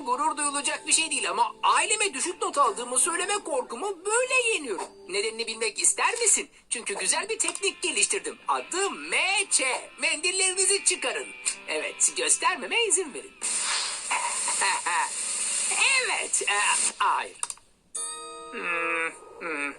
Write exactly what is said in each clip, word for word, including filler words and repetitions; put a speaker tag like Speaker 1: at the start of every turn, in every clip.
Speaker 1: için gurur duyulacak bir şey değil ama aileme düşük not aldığımı söyleme korkumu böyle yeniyorum. Nedenini bilmek ister misin? Çünkü güzel bir teknik geliştirdim. Adı M Ç. Mendillerinizi çıkarın. Evet, göstermeme izin verin. Evet, e, hayır. Hmm, hmm.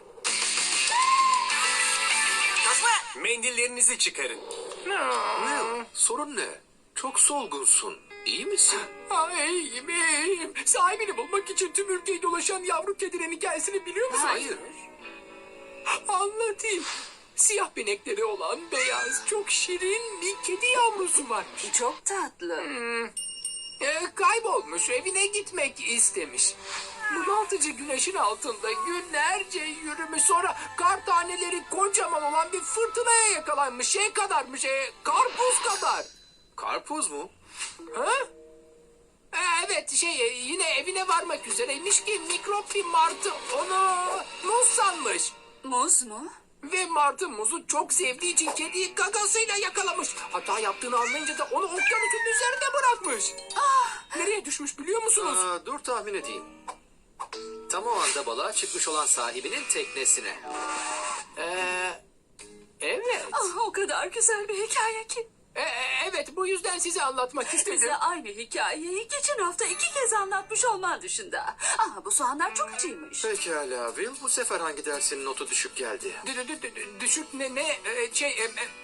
Speaker 2: Mendillerinizi çıkarın.
Speaker 3: Will, sorun ne? Çok solgunsun. İyi misin?
Speaker 1: Ay, iyiyim, iyiyim. Sahibini bulmak için tüm ülkeyi dolaşan yavru kedinin hikayesini biliyor musun?
Speaker 3: Hayır.
Speaker 1: Anlatayım. Siyah benekleri olan beyaz, çok şirin bir kedi yavrusu varmış.
Speaker 4: Çok tatlı.
Speaker 1: Ee, kaybolmuş, evine gitmek istemiş. Bunaltıcı güneşin altında günlerce yürümüş, sonra kar taneleri kocaman olan bir fırtınaya yakalanmış. Şey kadarmış, e, karpuz kadar.
Speaker 3: Karpuz mu?
Speaker 1: Ha? Ee, evet, şey e, yine evine varmak üzereymiş ki mikrop bir martı onu muz sanmış.
Speaker 4: Muz mu?
Speaker 1: Ve martı muzu çok sevdiği için kediyi gagasıyla yakalamış. Hata yaptığını anlayınca da onu okyanusun üzerine bırakmış. Nereye düşmüş biliyor musunuz?
Speaker 3: Aa, dur tahmin edeyim. Tam o anda balığa çıkmış olan sahibinin teknesine.
Speaker 1: Ee, evet.
Speaker 4: Ah, o kadar güzel bir hikaye ki.
Speaker 1: Ee, evet, bu yüzden size anlatmak istedim.
Speaker 4: Bize aynı hikayeyi geçen hafta iki kez anlatmış olman dışında. Ama bu soğanlar çok acıymış.
Speaker 3: Pekala Will, bu sefer hangi dersinin notu düşük geldi?
Speaker 1: D- d- d- d- Düşük ne ne e, şey e, e,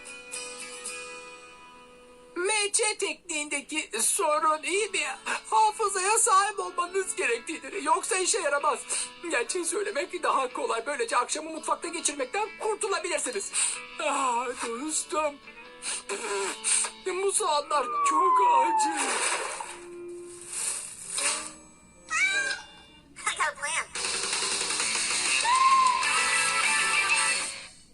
Speaker 1: M Ç tekniğindeki sorun iyi bir hafızaya sahip olmanız gerektiğidir. Yoksa işe yaramaz. Gerçeği söylemek daha kolay. Böylece akşamı mutfakta geçirmekten kurtulabilirsiniz. Ah dostum. Bu soğanlar çok acı.